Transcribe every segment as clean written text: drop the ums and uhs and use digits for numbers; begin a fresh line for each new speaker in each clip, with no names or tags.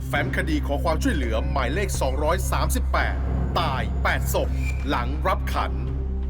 แฟ้มคดีขอความช่วยเหลือหมายเลข 238 ตาย 8 ศพ หลังรับขัน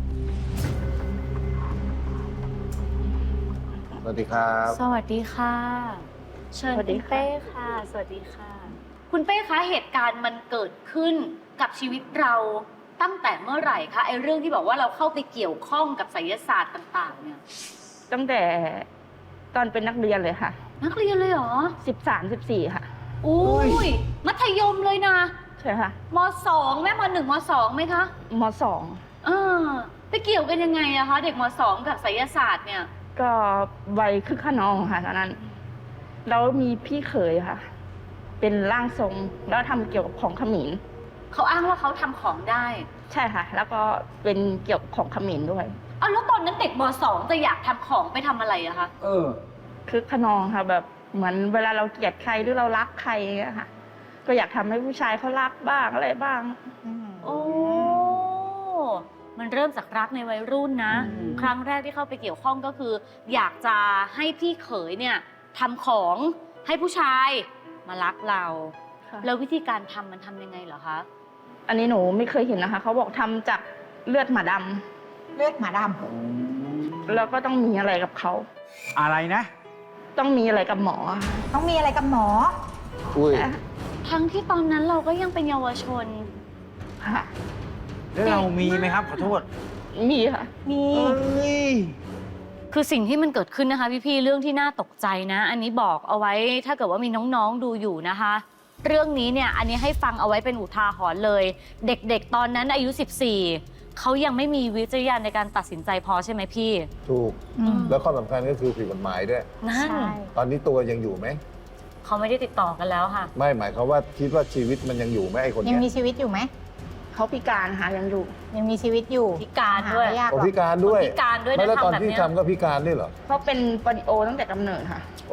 สวัสดีครับ
สวัสดีค่ะ เชิญคุณเป้ค่ะ สวัสดีค่ะ คุณเป้คะเหตุการณ์มันเกิดขึ้นกับชีวิตเราตั้งแต่เมื่อไหร่คะไอ้เรื่องที่บอกว่าเราเข้าไปเกี่ยวข้องกับไสยศาสตร์ต่างๆเนี่ย
ตั้งแต่ตอนเป็นนักเรียนเลยค่ะ
นักเรียนเลยเหรอ
13 14ค่ะ
อุ้ยมัธยมเลยนะ
ใช่ค่ะ
ม.2 แม่ม.1 ม.2 ไหมคะ
ม
เออไปเกี่ยวกันยังไงอะคะเด็กม.2 กับไสยศาสตร์เนี่ย
.2 ก็วัยคึกขนองค่ะตอนนั้นแล้วมีพี่เขยค่ะ เป็นร่างทรงแล้วทำเกี่ยวกับของเขมร
เขาอ้างว่าเขาทำของได้
ใช่ค่ะ แล้วก็เป็นเกี่ยวกับของเขมรด้วย
เอาแล้วตอนนั้นเด็กม.2 จะอยากทำของไปทำอะไรอะคะ
คึกขนองค่ะแบบเหมือนเวลาเราเกลียดใครหรือเรารักใครอย่างเงี้ยค่ะ ก็อยากทำให้ผู้ชายเขารักบ้างอะไรบ้าง
โอ้ มันเริ่มจากรักในวัยรุ่นนะ ครั้งแรกที่เข้าไปเกี่ยวข้องก็คือ อยากจะให้พี่เขยเนี่ยทำของให้ผู้ชายมารักเรา
ค่ะ
แล้ววิธีการทำมันทำยังไงเหรอคะ
อันนี้หนูไม่เคยเห็นนะคะเขาบอกทำจากเลือดหมาดำ
เลือดหมาด
แล้วก็ต้องมีอะไรกับเขา
อะไรนะ
ต้องมีอะไรกับหมอ
ำต้องมีอะไรกับหมอ
อุ้ย
ทั้งที่ตอนนั้นเราก็ยังเป็นเยาวชน
ค่ะ
แล้วเรามีไหมครับ ขอโทษ
มีค่ะ
มี
คือสิ่งที่มันเกิดขึ้นนะคะพี่ๆเรื่องที่น่าตกใจนะ อันนี้บอกเอาไว้ถ้าเกิดว่ามีน้องๆดูอยู่นะคะ เรื่องนี้เนี่ยอันนี้ให้ฟังเอาไว้เป็นอุทาหรณ์เลย เด็กๆตอนนั้นอายุ 14เขายังไม่มีวิจารณญาณในการตัดสินใจพอใช่ไหมพี่
ถูก
อืม
แล้วข้อสำคัญก็คือผิดกฎหมายด้วย
นั่น
ใช่
ตอนนี้ตัวยังอยู่ไหม
เขาไม่ได้ติดต่อกันแล้วค่ะ
ไม่หมายความว่าคิดว่าชีวิตมันยังอยู่ไหมไอ้คน
ยั
เนี้
ง
ย
มีชีวิตอยู่ไหม
เขาพิการค่ะยังอยู่
ยังมีชีวิตอยู่
พิการด้วย
หไม่ยากห
โอ้
รอก
พิการด้วย
พิการด้วย
ไม่
นะ
แล้วตอน
ทำแบบ
ที่
เนี้ย
ทำก็พิการด้วยเหรอ
เขาเป็นโปลิโอตั้งแต่กำเนิดค่ะ
โอ้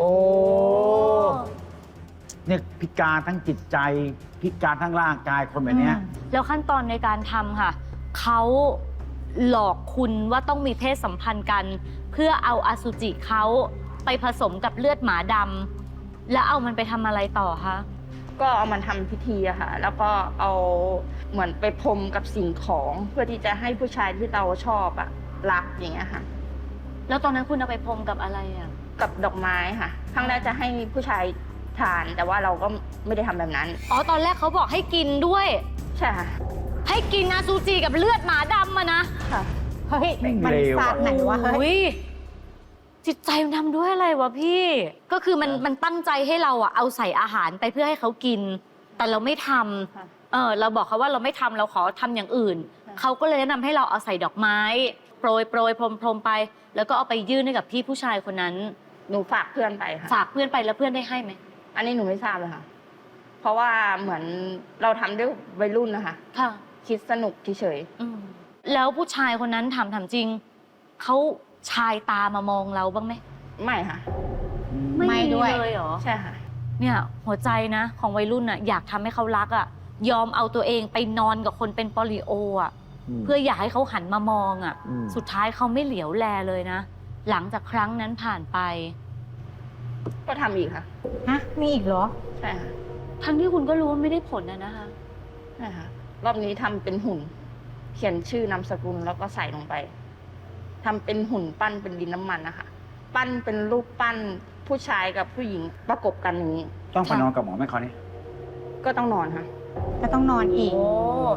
เนี่ยพิการทั้งจิตใจ พิการทั้งร่างกายคนแบบเนี้ย
แล้วขั้นตอนในการทำค่ะเขาหลอกคุณว่าต้องมีเพศสัมพันธ์กัน เพื่อเอาอสุจิเขาไปผสมกับเลือดหมาดำแล้วเอามันไปทำอะไรต่อคะ
ก็เอามันทำพิธีอะค่ะ แล้วก็เอาเหมือนไปพรมกับสิ่งของเพื่อที่จะให้ผู้ชายที่เราชอบอะรักอย่างเงี้ยค่ะ
แล้วตอนนั้นคุณเอาไปพรมกับอะไรอ่ะ
กับดอกไม้ค่ะครั้งแรกจะให้ผู้ชายทาน แต่ว่าเราก็ไม่ได้ทำแบบนั้น
อ๋อตอนแรกเขาบอกให้กินด้วย
ใช่ค่ะ
ให้กินอสุจิกับเลือดหมาดำมานะ
ค่ะ
เฮ้ย
แม่ง
มัน
เลวอะ
ศาสตร์ไหนวะเฮ้ย
อุ๊ยจิตใจมันทำด้วยอะไรวะพี่ ก็คือมันตั้งใจให้เราอะเอาใส่อาหารไปเพื่อให้เขากิน แต่เราไม่ท
ค่ะ
ำเราบอกเขาว่าเราไม่ทำเราขอทำอย่างอื่น
ค่ะ
เขาก็เลยแนะนำให้เราเอาใส่ดอกไม้ โปรยพรมไป แล้วก็เอาไปยื่นให้กับพี่ผู้ชายคนนั้น
หนูฝากเพื่อนไปค่ะ
ฝากเพื่อนไปแล้วเพื่อนได้ให้ไหม
อันนี้หนูไม่ทราบเลยค่ะ เพราะว่าเหมือนเราทำด้วยวัยรุ่นนะคะ
ค่ะ
คิดสนุกเฉย
แล้วผู้ชายคนนั้นถามจริงเขาชายตามามองเราบ้างไหม
ๆไม่ค่ะ
ไม่ด้วย
เลยเหรอ
ใช่ค่ะ
เนี่ยหัวใจนะของวัยรุ่นน่ะอยากทำให้เขารักอ่ะยอมเอาตัวเองไปนอนกับคนเป็นโปลิโออ่ะเพื่ออยากให้เขาหันมามองอ่ะ
ม
สุดท้ายเขาไม่เหลียวแลเลยนะ หลังจากครั้งนั้นผ่านไป
ก็ทำอีกค่ะ
ฮะ มีอีกเหรอ
ใช่ค่ะ
ทั้งที่คุณก็รู้ว่าไม่ได้ผลนะคะ
ใช่ค่ะ รอบนี้ทำเป็นหุ่น เขียนชื่อนามสกุลแล้วก็ใส่ลงไปทำเป็นหุ่นปั้นเป็นดินน้ำมันนะคะ ปั้นเป็นรูปปั้นผู้ชายกับผู้หญิงประกบกันอย่างนี้
ต้องไปนอนกับหมอไหมเขาเนี่ย
ก็ต้องนอนค่ะ
ก็ต้องนอนอีก
โอ้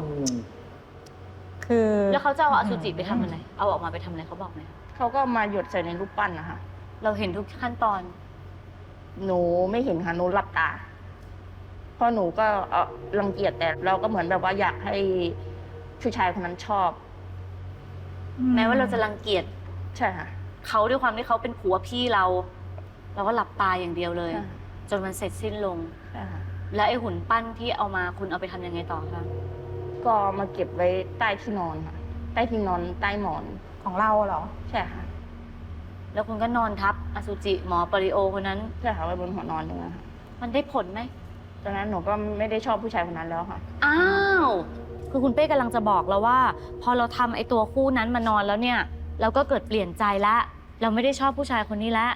คือ
แล้วเขาจะเอาอสุจิไปทำอะไรเอาออกมาไปทำอะไรเขาบอกไหม
เขาก็มาหยดใส่ในรูปปั้นนะคะ
เราเห็นทุกขั้นตอน
หนูไม่เห็นค่ะหนูหลับตา เพราะหนูก็รังเกียจแต่เราก็เหมือนแบบว่าอยากให้ผู้ชายคนนั้นชอบ
แม้ว่าเราจะรังเกียจ
ใช่ค่ะ
เขาด้วยความที่เขาเป็นผัวพี่เราก็หลับตาอย่างเดียวเลย
ใช่
จนมันเสร็จสิ้นลง
ใช่ค่ะ
แล้วไอ้หุ่นปั้นที่เอามาคุณเอาไปทำยังไงต่อคะ
ก็มาเก็บไว้ใต้ที่นอนค่ะ ใต้ที่นอนใต้หมอน
ของเราเหรอ
ใช่ค่ะ
แล้วคุณก็นอนทับอสุจิหมอปริโอคนนั้น
ใช่ค่ะไว้บนหัวนอนนี่นะคะ
มันได้ผลไหม
ตอนนั้นหนูก็ไม่ได้ชอบผู้ชายคนนั้นแล้วค่ะ
อ้าว คือคุณเป้กำลังจะบอกเราว่า พอเราทำไอ้ตัวคู่นั้นมานอนแล้วเนี่ย เราก็เกิดเปลี่ยนใจละเราไม่ได้ชอบผู้ชายคนนี้ละ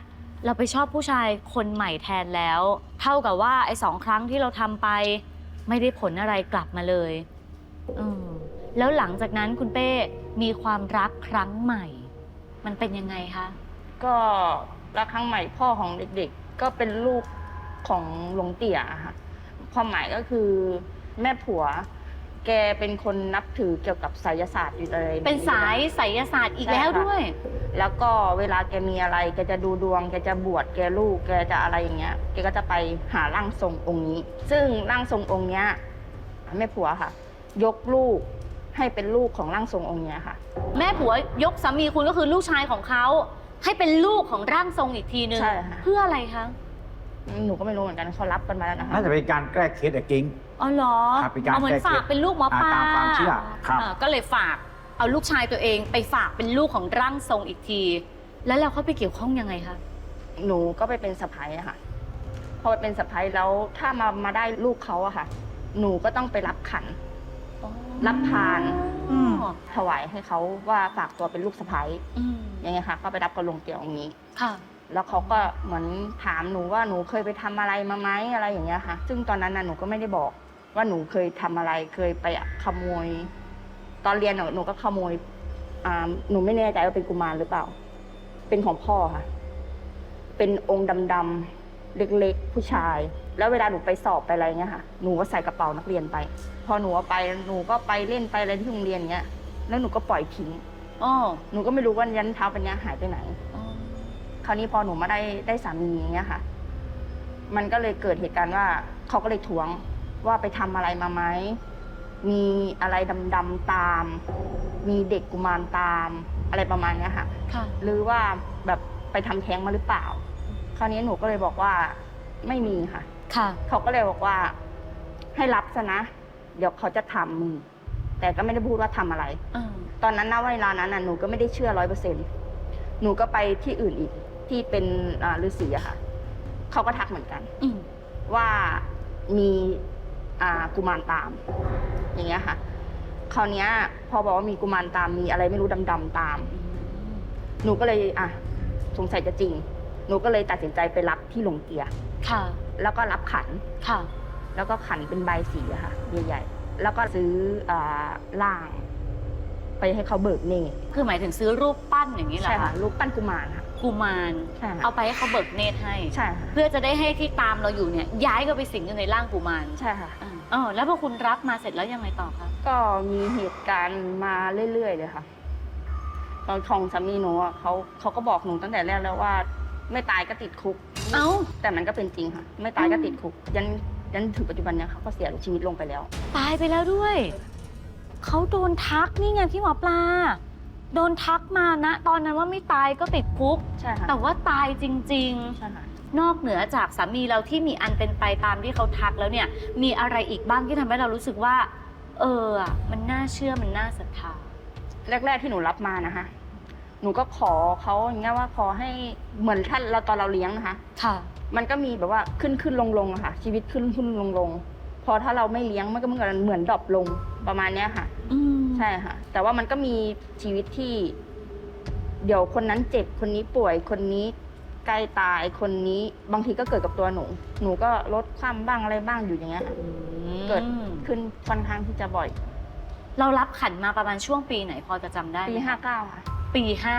เราไปชอบผู้ชายคนใหม่แทนแล้ว เท่ากับว่าไอ้2 ครั้งที่เราทำไปไม่ได้ผลอะไรกลับมาเลยแล้วหลังจากนั้นคุณเป้มีความรักครั้งใหม่ มันเป็นยังไงคะ
ก็รักครั้งใหม่พ่อของเด็กๆ ก็เป็นลูกของหลวงเตี่ยค่ะความหมายก็คือแม่ผัว แกเป็นคนนับถือเกี่ยวกับไสยศาสตร์อยู่เลย
เป็นสายไสยศาสตร์อีกแล้วด้วย
แล้วก็เวลาแกมีอะไรแกจะดูดวงแกจะบวชแกลูกแกจะอะไรอย่างเงี้ยแกก็จะไปหาร่างทรงองค์นี้ ซึ่งร่างทรงองค์เนี้ยแม่ผัวค่ะ ยกลูกให้เป็นลูกของร่างทรงองค์เนี้ยค่ะ
แม่ผัวยกสามีคุณก็คือลูกชายของเขาให้เป็นลูกของร่างทรงอีกทีนึง
ใช่ค่ะ
เพื่ออะไรคะ
หนูก็ไม่รู้เหมือนกันเขารับกันมาแล้วนะคะ
น่าจะเป็นการแก้เคสอะกิ้ง
อ๋อเหรอ
ครับเป็นการ
เอาเหมือนฝากเป็นลูกหมอปลา
ตามความเชื่อครับ
ก็เลยฝากเอาลูกชายตัวเองไปฝากเป็นลูกของร่างทรงอีกที แล้วเราเข้าไปเกี่ยวข้องยังไงคะ
หนูก็ไปเป็นสะใภ้อะค่ะพอไปเป็นสะใภ้แล้วถ้ามาได้ลูกเขาอะค่ะ หนูก็ต้องไปรับขัน รับพาน
อืม
ถวายให้เขาว่าฝากตัวเป็นลูกสะใภ้
อืม
ยังไงคะก็ไปรับกับหลวงเตี่ยองค์นี้
ค่ะ
แล้วเขาก็เหมือนถามหนูว่าหนูเคยไปทำอะไรมาไหมอะไรอย่างเงี้ยค่ะ ซึ่งตอนนั้นน่ะหนูก็ไม่ได้บอกว่าหนูเคยทำอะไรเคยไปขโมย ตอนเรียนหนูก็ขโมยหนูไม่แน่ใจว่าเป็นกุมารหรือเปล่า เป็นของพ่อค่ะ เป็นองค์ดำๆเล็กๆผู้ชาย แล้วเวลาหนูไปสอบไปอะไรเงี้ยค่ะหนูก็ใส่กระเป๋านักเรียนไป พอหนูเอาไปหนูก็ไปเล่นไปอะไรที่โรงเรียนเงี้ยแล้วหนูก็ปล่อยทิ้ง
อ๋อ
หนูก็ไม่รู้ว่ายันเท้าเป็นเนี้ยหายไปไหน
อ๋อ
คราวนี้พอหนูมาได้สามีอย่างเงี้ยค่ะ มันก็เลยเกิดเหตุการณ์ว่าเขาก็เลยทวงว่าไปทำอะไรมาไหม มีอะไรดำๆตาม มีเด็กกุมารตามอะไรประมาณเนี้ยค่ะ
ค่ะ
หรือว่าแบบไปทำแท้งมาหรือเปล่า คราวนี้หนูก็เลยบอกว่าไม่มีค่ะ
ค่ะ
เขาก็เลยบอกว่าให้รับซะนะ เดี๋ยวเขาจะทำมึงแต่ก็ไม่ได้พูดว่าทำอะไร ตอนนั้นณเวลานั้นน่ะหนูก็ไม่ได้เชื่อ100%หนูก็ไปที่อื่นอีกที่เป็นฤาษีอะค่ะเขาก็ทักเหมือนกัน
อืม
ว่ามีกุมารตาม อย่างเงี้ยค่ะ คราวเนี้ยพอบอกว่ามีกุมารตามมีอะไรไม่รู้ดำๆตาม หนูก็เลยสงสัยจะจริง หนูก็เลยตัดสินใจไปรับที่หลวงเตี่ย
ค่ะ
แล้วก็รับขัน
ค่ะ
แล้วก็ขันเป็นใบสีอะค่ะใหญ่ๆแล้วก็ซื้อล่าง ไปให้เขาเบิกเนตร
คือหมายถึงซื้อรูปปั้นอย่างนี้เหรอ
ใช่ค่ะ
คะ
รูปปั้นกุมารค่ะ
กุมาร
ใช่ค่ะ
เอาไปให้เขาเบิกเนตรให้
ใช่ค่ะ
เพื่อจะได้ให้ที่ตามเราอยู่เนี่ย ย้ายก็ไปสิงอยู่ในร่างกุมาร
ใช่ค่ะ
แล้วพอคุณรับมาเสร็จแล้วยังไงต่อคะ
ก็มีเหตุการณ์มาเรื่อยๆเลยค่ะตอนของสามีหนูอะเขาก็บอกหนูตั้งแต่แรกแล้วว่า ไม่ตายก็ติดคุก
เอ้า
แต่มันก็เป็นจริงค่ะ ไม่ตายก็ติดคุก ยันถึงปัจจุบันเนี่ยเขาก็เสียชีวิตลงไปแล้ว
ตายไปแล้วด้วย เขาโดนทักนี่ไงพี่หมอปลา โดนทักมานะ ตอนนั้นว่าไม่ตายก็ติดคุก
ใช่ค่ะ
แต่ว่าตายจริง
ใช่ค่ะ
ๆ นอกเหนือจากสามีเราที่มีอันเป็นไปตามที่เขาทักแล้วเนี่ย มีอะไรอีกบ้างที่ทำให้เรารู้สึกว่า มันน่าเชื่อมันน่าศรัทธา
แรกๆที่หนูรับมานะคะ หนูก็ขอเขาอย่างเงี้ยว่าขอให้เหมือนท่านเราตอนเราเลี้ยงนะคะ
ค่ะ
มันก็มีแบบว่าขึ้นลงอะค่ะ ชีวิตขึ้นลงพอถ้าเราไม่เลี้ยงมันก็เหมือนดรอปลงประมาณเนี้ยค่ะ
อืม
ใช่ค่ะ แต่ว่ามันก็มีชีวิตที่ เดี๋ยวคนนั้นเจ็บคนนี้ป่วยคนนี้ใกล้ตายคนนี้บางทีก็เกิดกับตัวหนูก็ลดความบ้างอะไรบ้างอยู่อย่างเงี้ยค่ะเกิดขึ้นค่อนข้างที่จะบ่อย
เรารับขันมาประมาณช่วงปีไหนพอจะจำได้ไหม
ปี
คะ
59ค่ะ
ปี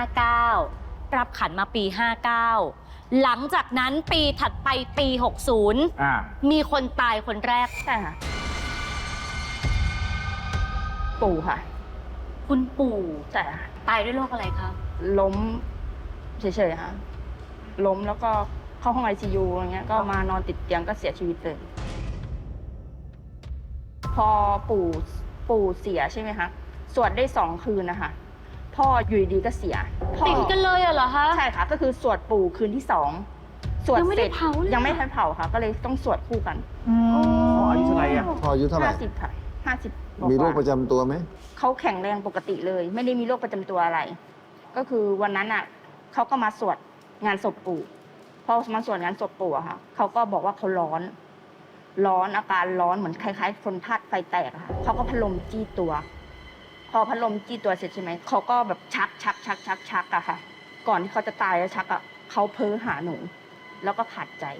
59 รับขันมาปี 59 หลังจากนั้นปีถัดไปปี 60 มีคนตายคนแรก
ใช่ค่ะ ปู่ค่ะ
คุณปู่
ใช่ค่ะ
ตายด้วยโรคอะไรคะ
ล้มเฉยๆค่ะ ล้มแล้วก็เข้าห้อง ICU อย่างเงี้ย ก็มานอนติดเตียงก็เสียชีวิตเลย พอปู่เสียใช่ไหมคะ สวดได้ 2 คืนนะคะ พ่ออยู่ดีๆก็เสียพ่อ
ติดกันเลยเหรอคะ
ใช่ค่ะ ก็คือสวดปู่คืนที่ 2 สวด
ยังไม่
เส
ได้
ร็จ
เผาเลย
ยังไม่ทันเผาค่ะ ก็เลยต้องสวดคู่กัน
อายุเท่าไหร่อะ
พออายุเท่าไหร่
50ค่ะ50
มีโรคประจำตัวไหม
เขาแข็งแรงปกติเลย ไม่ได้มีโรคประจำตัวอะไร ก็คือวันนั้นอ่ะเขาก็มาสวดงานศพปู่พอมาสวดงานศพปู่อะค่ะเขาก็บอกว่าเขาร้อนอาการร้อนเหมือนคล้ายๆคนธาตุไฟแตกอะค่ะเขาก็พัดลมจี้ตัว พอพัดลมจี้ตัวเสร็จใช่ไหมเขาก็แบบชักอะค่ะ ก่อนที่เขาจะตายแล้วชักอะเขาเพ้อหาหนู แล้วก็ขาดใจ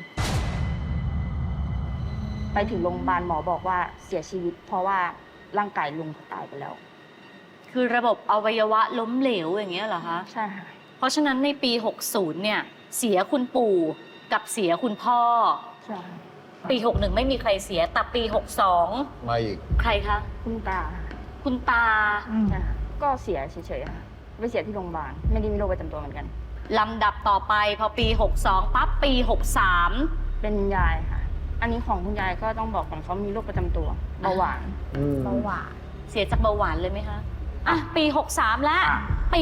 ไปถึงโรงพยาบาลหมอบอกว่าเสียชีวิต เพราะว่าร่างกายลุงเขาตายไปแล้ว
คือระบบอวัยวะล้มเหลวอย่างเงี้ยเหรอคะ
ใช่ค่ะ
เพราะฉะนั้นในปี 60 เนี่ย เสียคุณปู่กับเสียคุณพ่อ
ใช่
ปี 61 ไม่มีใครเสีย แต่ปี 62
มาอีก
ใครคะ
คุณตา
คุณตา
อืม
ใช่ค่ะก็เสียเฉยๆค่ะไปเสียที่โรงพยาบาล ไม่ได้มีโรคประจำตัวเหมือนกัน
ลำดับต่อไปพอปี 62 ปั๊บปี 63
เป็นยายค่ะ อันนี้ของคุณยายก็ต้องบอกก่อนเขามีโรคประจำตัวเบาหวาน
เบาหวาน
เสียจากเบาหวานเลยไหมคะ อ่ะ ปี 63 แล้ว ปี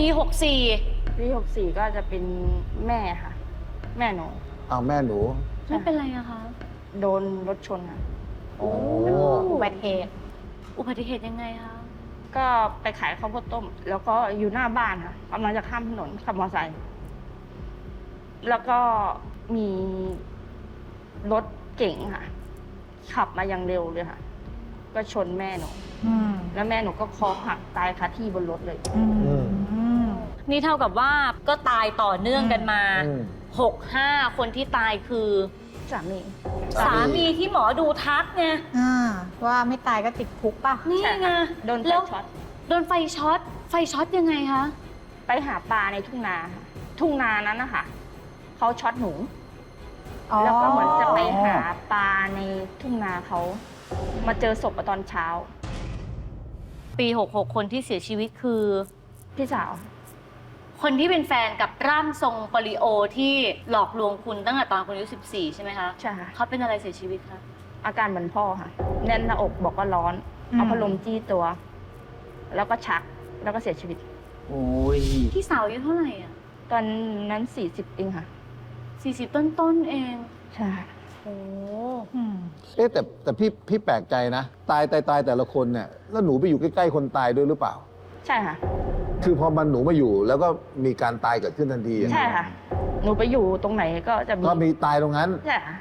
64
ปี64ก็จะเป็นแม่ค่ะ แม่หนู
เอาแม่หนู
ไม่เป็นไรอะคะ
โดนรถชนค่ะ
โอ้
อุบัติเหตุ
อุบัติเหตุยังไงคะ
ก็ไปขายข้าวโพดต้ม แล้วก็อยู่หน้าบ้านค่ะกำลังจะข้ามถนนขับมอเตอร์ไซค์แล้วก็มีรถเก๋งค่ะ ขับมาอย่างเร็วเลยค่ะ ก็ชนแม่หนู
อืม
แล้วแม่หนูก็คอหักตายคาที่บนรถเลย
อืม
นี่เท่ากับว่าก็ตายต่อเนื่องกันมา
อืม
65 คนที่ตายคือ
สามี
สามีที่หมอดูทักไง
ว่าไม่ตายก็ติดคุกป่ะ
นี่
ใช่
ไง
ค่ะโดนไฟ
แล้ว
ช็อต
โดนไฟช็อต ไฟช็อตยังไงคะ
ไปหาปลาในทุ่งนาค่ะทุ่งนานั้นนะคะเขาช็อตหนู แล้วก็เหมือนจะไปหาปลาในทุ่งนาเขามาเจอศพตอนเช้า
ปี 66 คนที่เสียชีวิตคือ
พี่สาว
คนที่เป็นแฟนกับร่างทรงปริโอที่หลอกลวงคุณตั้งแต่ตอนคุณอายุ 14 ใช่ไหมคะ
ใช่ค่ะ
เขาเป็นอะไรเสียชีวิตคะ
อาการเหมือนพ่อค่ะ แน่นหน้าอกบอกว่าร้อน เอาพัดลมจี้ตัว แล้วก็ชักแล้วก็เสียชีวิต
โอ้ย
พี่สาวอายุเท่าไหร่อ่ะ
ตอนนั้น40เองค่ะ
40 ต้นๆเอง
ใช่
โอ้
เอ๊ะแต่พี่แปลกใจนะ ตายแต่ละคนเนี่ย แล้วหนูไปอยู่ใกล้ๆคนตายด้วยหรือเปล่า
ใช่ค่ะ
คือพอมันหนูมาอยู่แล้วก็มีการตายเกิดขึ้นทันทีอย่าง
ใช่
นั้น
ค่ะ หนูไปอยู่ตรงไหนก็จะมี
ก็มีตายตรงนั้น
ใช่ค่ะ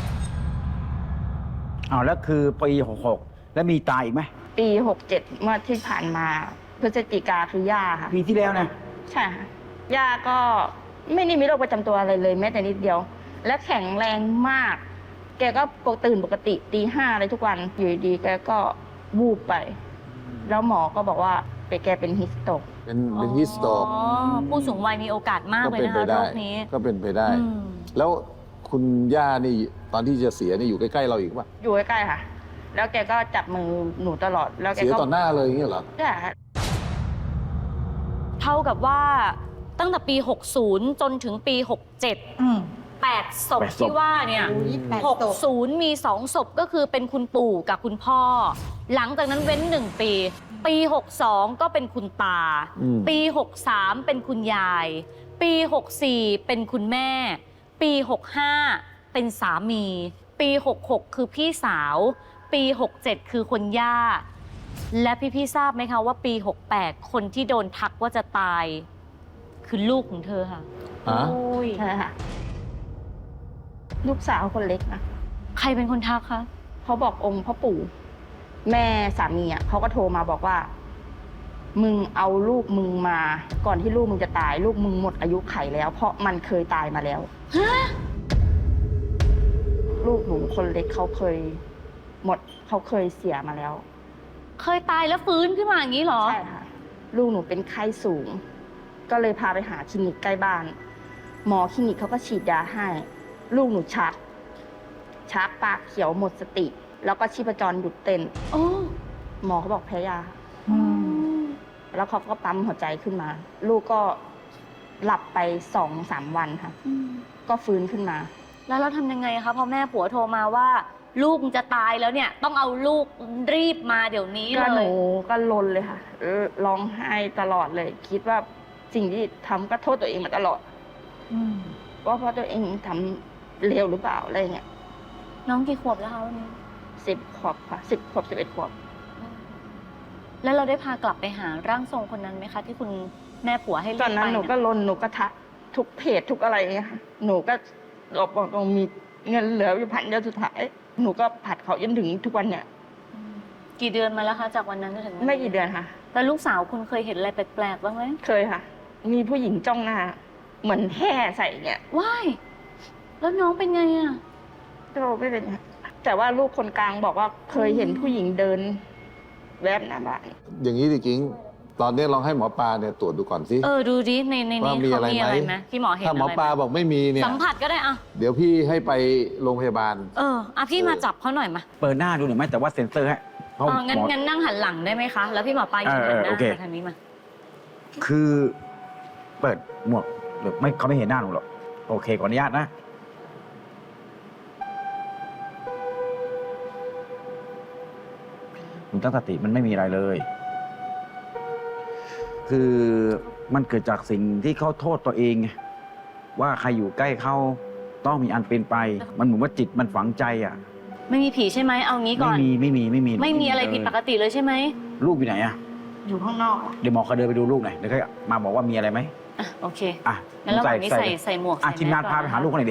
เอาแล้วคือปี66แล้วมีตายอีกไหม
ปี67เมื่อที่ผ่านมาพฤศจิกาคือย่าค่ะ
ปีที่แล้วนะ
ใช่ค่ะ ย่าก็ไม่ได้มีโรคประจำตัวอะไรเลยแม้แต่นิดเดียว และแข็งแรงมาก แกก็ตื่นปกติตีห้าเลยทุกวัน อยู่ดีๆแกก็วูบไป แล้วหมอก็บอกว่าแกเป็นฮิสโตก
เป็นฮิสโตก
อ๋อผู้สูงวัยมีโอกาสมาก
ก็
เลย
เป็น
นะ
ไป
คะโร
ได้
คนี้
ก็เป็นไปได้
อืม
แล้วคุณย่านี่ตอนที่จะเสียนี่อยู่ใกล้ๆเราอีกป่ะ
อยู่ใกล้ๆค่ะ แล้วแกก็จับมือหนูตลอด แล้วแก
เสีย
ก็
ต่อหน้าเลยอย่างเงี้ยเหรอ
ใช่ค่ะ
เท่ากับว่าตั้งแต่ปี 60 จนถึงปี 67
อืม
8 ศพที่ว่าเนี่ย
อุ๊ย8ศพ
60 มี 2 ศพก็คือเป็นคุณปู่กับคุณพ่อ หลังจากนั้นเว้น 1 ปี ปี 62 ก็เป็นคุณตา
อืม
ปี 63 เป็นคุณยาย ปี 64 เป็นคุณแม่ ปี 65 เป็นสามี ปี 66 คือพี่สาว ปี 67 คือคนย่า และพี่ๆทราบไหมคะว่าปี 68 คนที่โดนทักว่าจะตาย คือลูกของเธอค่ะ
ฮะ
ใช่ค่ะ ลูกสาวคนเล็กนะ
ใครเป็นคนทักคะ
เขาบอกองค์พ่อปู่ แม่สามีอ่ะเขาก็โทรมาบอกว่า มึงเอาลูกมึงมา ก่อนที่ลูกมึงจะตาย ลูกมึงหมดอายุไขแล้ว เพราะมันเคยตายมาแล้ว ลูกหนูคนเล็กเขาเคยเขาเคยเสียมาแล้ว
เคยตายแล้วฟื้นขึ้นมาอย่างนี้เหรอ
ใช่ค่ะ ลูกหนูเป็นไข้สูง ก็เลยพาไปหาคลินิกใกล้บ้าน หมอคลินิกเขาก็ฉีดยาให้ ลูกหนูชักปากเขียวหมดสติ แล้วก็ชีพจรหยุดเต้น
โอ้
หมอเขาบอกแพ้ยา
อืม
แล้วเขาก็ปั๊มหัวใจขึ้นมา ลูกก็หลับไป2-3 วันค่ะ ก็ฟื้นขึ้นมา
แล้วเราทำยังไงคะพอแม่ผัวโทรมาว่า ลูกจะตายแล้วเนี่ย ต้องเอาลูกรีบมาเดี๋ยวนี้
ก็ห
เล
นู
ย
ก็ลนเลยค่ะร้องไห้ตลอดเลย คิดว่าสิ่งที่ทำก็โทษตัวเองมาตลอด
อืม
ว่าเพราะตัวเองทำเลวหรือเปล่าอะไรเงี้ย
น้องกี่ขวบแล้วคะวันนี้
10 ขวบค่ะ10 ขวบ11 ขวบ
แล้วเราได้พากลับไปหาร่างทรงคนนั้นไหมคะ ที่คุณแม่ผัวให้รีบ
ตอนนั้น
ไป
หนูก็ลนหนูก็ทักทุกเพจทุกอะไรเงี้ยค่ะหนูก็บอกตรงมีเงินเหลืออยู่1,000 เดียวสุดท้าย หนูก็ผัดเขาจนถึงทุกวันเนี่ย
กี่เดือนมาแล้วคะจากวันนั้นจนถึงวันนี้
ไม่กี่เดือนค่ะ
แล้วลูกสาวคุณเคยเห็นอะไรแปลกๆบ้างไหม
เคยค่ะ มีผู้หญิงจ้องหน้าเหมือนแห่ใส่เนี่ย
ว้ายแล้วน้องเป็นไงอะ
ก็ไม่เป็นไรแต่ว่าลูกคนกลางบอกว่าเคยเห็นผู้หญิงเดินแวบหน้าบ้าน
อย่างนี้ดิกิ๊งตอนนี้ลองให้หมอปลาเนี่ยตรวจดูก่อนสิ
ดูดิในนี้
ว่า
เขา
มี
มี
อะไร
อะไร
ไห
ไห
ม
มพี่หมอเห็น
ถ้าหมอ
อะไร
ปลา
ไหม
บอกไม่มีเนี่ย
สัมผัสก็ได้อะ
เดี๋ยวพี่ให้ไปโรงพยาบาล
พี่มาจับเขาหน่อยมา
เปิดหน้าดูหน่อยไหมแต่ว่าเซ็นเซอร์ให้เพราะ
งั้น
หมอ
งั้นนั่งหันหลังได้ไหมคะ แล้วพี่หมอปลายืนหันหน้า
โอเค
มาทางนี้มา
คือเปิดหมวกหรือไม่เขาไม่เห็นหน้าหนูหรอกโอเคขออนุญาตนะหนูตั้งสติมันไม่มีอะไรเลย คือมันเกิดจากสิ่งที่เขาโทษตัวเองไงว่าใครอยู่ใกล้เขาต้องมีอันเป็นไป มันเหมือนว่าจิตมันฝังใจอ่ะ
ไม่มีผีใช่ไหมเอางี้ก่อน
ไม่มี
ไม่มีอะไรผิดปกติเลยใช่ไหม
ลูกอยู่ไหนอ่ะ
อยู่ข้างนอกอะ
เดี๋ยวหมอเขาเดินไปดูลูกหน่อยเดี๋ยวเขามาบอกว่ามีอะไรไหม
โอเค
อ่ะ
งั้นระหว่างนี้ใส่หมวก
อ่ะ
ใส่
ทีมงาน
แส
พาไปหาลูกเขาหน่อยดิ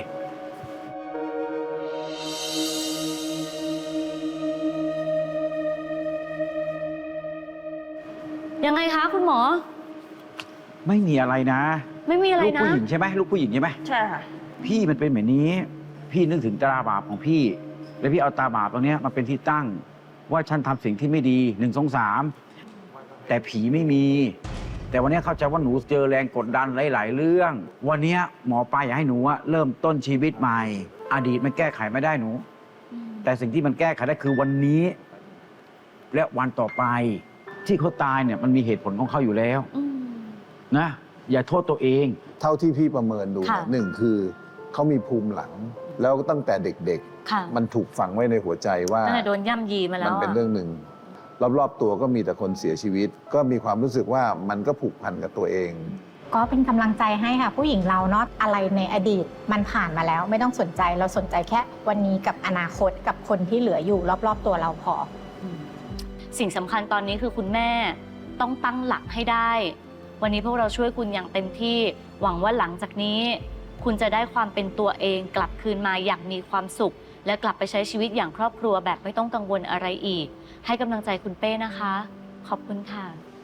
ยังไงคะคุณหมอ
ไม่มีอะไรนะ
ไม่มีอะไร
ลูก
นะ
ผู้หญิงใช่ไหมลูกผู้หญิงใช่ไหม
ใช่ค่ะ
พี่มันเป็นแบบนี้ พี่นึกถึงตาบาปของพี่ แล้วพี่เอาตาบาปตรงเนี้ยมาเป็นที่ตั้ง ว่าฉันทำสิ่งที่ไม่ดี1 2 3แต่ผีไม่มี แต่วันเนี้ยเข้าใจว่าหนูเจอแรงกดดันหลายๆเรื่อง วันเนี้ยหมอปลาอยากให้หนูอะเริ่มต้นชีวิตใหม่ อดีตมันแก้ไขไม่ได้หนู แต่สิ่งที่มันแก้ไขได้คือวันนี้ และวันต่อไป ที่เขาตายเนี่ยมันมีเหตุผลของเขาอยู่แล้ว
อืม
นะ อย่าโทษตัวเอง
เท่าที่พี่ประเมินดู
ค่ะ
หนึ่งคือเขามีภูมิหลัง แล้วตั้งแต่เด็ก
ค่ะ
ๆ มันถูกฝังไว้ในหัวใจว่า
ตั้งแต่โดนย่ำยีมาแล้
มั
วน
เป็นเรื่องหนึ่งรอบๆตัวก็มีแต่คนเสียชีวิต ก็มีความรู้สึกว่ามันก็ผูกพันกับตัวเอง
ก็เป็นกำลังใจให้ค่ะ ผู้หญิงเราเนาะอะไรในอดีตมันผ่านมาแล้ว ไม่ต้องสนใจเราสนใจแค่วันนี้กับอนาคตกับคนที่เหลืออยู่รอบๆตัวเราพอ
สิ่งสำคัญตอนนี้คือคุณแม่ต้องตั้งหลักให้ได้ วันนี้พวกเราช่วยคุณอย่างเต็มที่ หวังว่าหลังจากนี้ คุณจะได้ความเป็นตัวเองกลับคืนมาอย่างมีความสุข และกลับไปใช้ชีวิตอย่างครอบครัวแบบไม่ต้องกังวลอะไรอีก ให้กำลังใจคุณเป้นะคะ ขอบคุณค่ะ